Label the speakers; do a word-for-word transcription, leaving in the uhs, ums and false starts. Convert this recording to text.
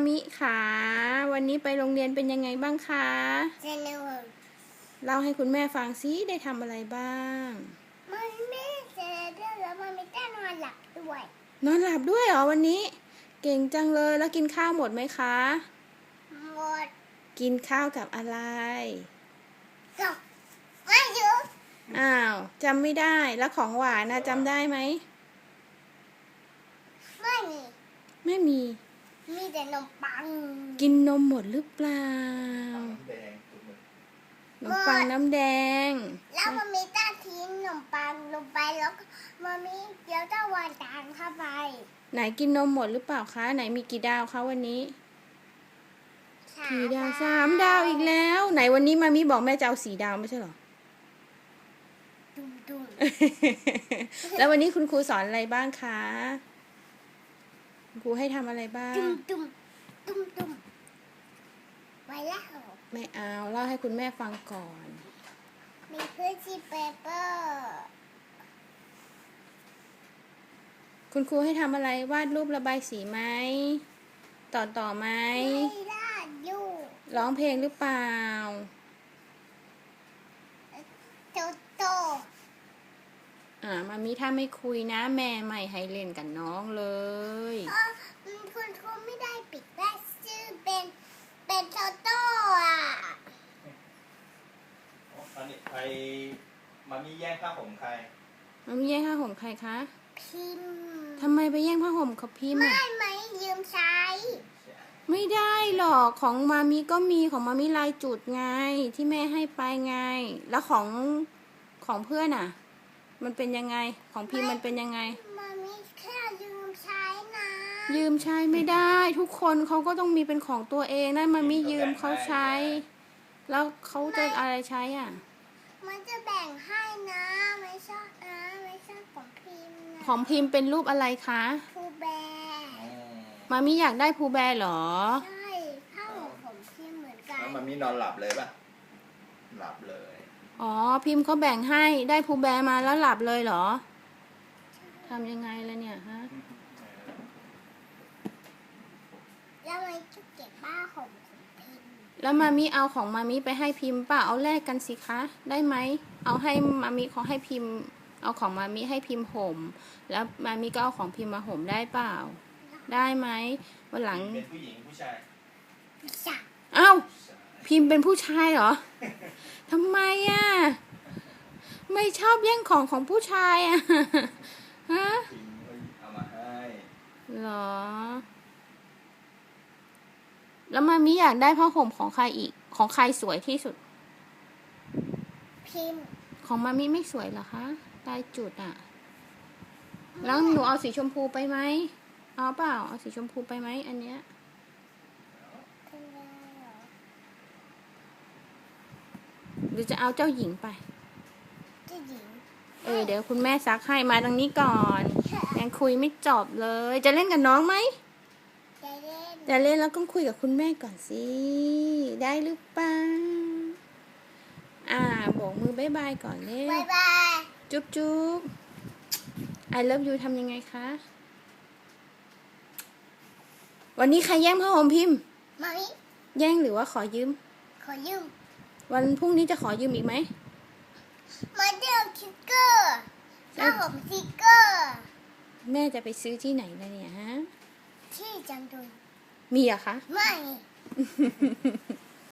Speaker 1: มิค่ะวันนี้ไปโรงเรียนเป็นยังไงบ้างคะ
Speaker 2: สนุก
Speaker 1: เล่าให้คุณแม่ฟังซิได้ทำอะไรบ้าง
Speaker 2: มันไม่เสร็จแล้วมันไม่ได้นอนหลับด้วย
Speaker 1: นอนหลับด้วยเหรอวันนี้เก่งจังเลยแล้วกินข้าวหมดไหมคะ
Speaker 2: หมด
Speaker 1: กินข้าวกับอะไร
Speaker 2: กับไม่เยอะ
Speaker 1: อ้าวจำไม่ได้แล้วของหวานนะจำได้ไหม
Speaker 2: ไม่มี
Speaker 1: ไม่มี
Speaker 2: มีแต่นมปัง
Speaker 1: กินนมหมดหรือเปล่าขนมปังน้ำแดง
Speaker 2: แล้วมันมีต้าทิ้งขนมปังลงไปแล้วมันมีเดี๋ยวจะวางจานเข้าไป
Speaker 1: ไหนกินนมหมดหรือเปล่าคะไหนมีกี่ดาวคะวันนี้กี่ดาวสามดาวอีกแล้วไหนวันนี้มามิบอกแม่จะเอาสี่ดาวไม่ใช่หรอ
Speaker 2: ดุมดุม
Speaker 1: แล้ววันนี้คุณครูสอนอะไรบ้างคะครูให้ทำอะไรบ้าง
Speaker 2: ดุมดุมดุมดุมไว้แล้ว
Speaker 1: ไม่เอาเล่าให้คุณแม่ฟังก่อน
Speaker 2: มีพื้นที่เปเปอร์
Speaker 1: คุณครูให้ทำอะไรวาดรูประบายสีไหมต่อต่อไหม
Speaker 2: ไม่ได้อยู่
Speaker 1: ร้องเพลงหรือเปล่า
Speaker 2: โตโต
Speaker 1: อ่ามามิถ้าไม่คุยนะแม่ไม่ให้เล่นกับน้องเลย
Speaker 2: คุณครูไม่ได้ปิดได้ชื่อเป็นเป็นโตโต้อ่ะ
Speaker 3: ตอนนี้ใครมามีแย่งผ้าห่มใคร
Speaker 1: มามิแย่งผ้าห่มใครคะ
Speaker 2: พิม
Speaker 1: ทำไมไปแย่งผ้าห่มกับพิม
Speaker 2: ไม่ไม่ยืมใช้
Speaker 1: ไม่ได้หรอกของมามิก็มีของมามิลายจุดไงที่แม่ให้ไปไงแล้วของของเพื่อนอ่ะมันเป็นยังไงของพิมมันเป็นยังไง
Speaker 2: มามิแค่ยืมใช้นะ
Speaker 1: ยืมใช้ไม่ได้ทุกคนเขาก็ต้องมีเป็นของตัวเองนั่นมามิยืมเขาใช้แล้วเขาจะอะไรใช้อ่ะ
Speaker 2: มันจะแบ่งให้นะไม่ชอบนะไม่ชอบของพิมนะ
Speaker 1: ของพิมเป็นรูปอะไรคะ
Speaker 2: ภูแบร์
Speaker 1: มามิอยากได้ภูแบร์เหรอ
Speaker 2: ใช่ผ้าห่มของพิมเหมือนกัน
Speaker 3: แล้วมามินอนหลับเลยป่ะหลับเลย
Speaker 1: อ๋อพิมเขาแบ่งให้ได้ภูแบร์มาแล้วหลับเลยเหรอทำยังไงล่ะเนี่ยฮะ
Speaker 2: แล้วมันจะเก็บผ้าห่มของพิม
Speaker 1: แล้วมามิเอาของมามิไปให้พิมป่ะเอาแลกกันสิคะได้ไหมเอาให้มามิเขาให้พิมเอาของมามิให้พิมห่มแล้วมามิก็เอาของพิมมาห่มได้เปล่าได้ไหมวันหลัง
Speaker 3: เป็นผู้หญิงผู้ชาย
Speaker 1: เอ้าพิมเป็นผู้ชายเหรอทำไมอ่ะไม่ชอบแย่งของของผู้ชายอ่ะฮะ
Speaker 3: เอามาให้
Speaker 1: เหรอแล้วมามิอยากได้ผ้าห่มของใครอีกของใครสวยที่สุด
Speaker 2: พิม
Speaker 1: ของมามิไม่สวยเหรอคะลายจุดอ่ะแล้วหนูเอาสีชมพูไปไหมเอาเปล่าเอาสีชมพูไปไหมอันเนี้ยหรือจะเอาเจ้าหญิงไป
Speaker 2: เจ้าหญิง
Speaker 1: เออเดี๋ยวคุณแม่ซักให้มาตรงนี้ก่อนยังคุยไม่จบเลยจะเล่นกับน้องไหม
Speaker 2: จะเล่น
Speaker 1: จะเล่นแล้วก็คุยกับคุณแม่ก่อนสิได้หรือเปล่าอ่าโบกมือบ๊ายบายก่อนเร็ว
Speaker 2: บ๊ายบาย
Speaker 1: จุ๊บจุ๊บ I love you ทำยังไงคะวันนี้ใครแย่งผ้าห่มพิมพ์
Speaker 2: ไม่
Speaker 1: แย่งหรือว่าขอยืม
Speaker 2: ขอยืม
Speaker 1: วันพรุ่งนี้จะขอยืมอีกไหม
Speaker 2: มาเดียวคิกเกอร์ผ้าห่มสติกเกอร์
Speaker 1: แม่จะไปซื้อที่ไหนล่ะเนี่ยฮะ
Speaker 2: ที่จังดุย
Speaker 1: มีอะคะ
Speaker 2: ไม่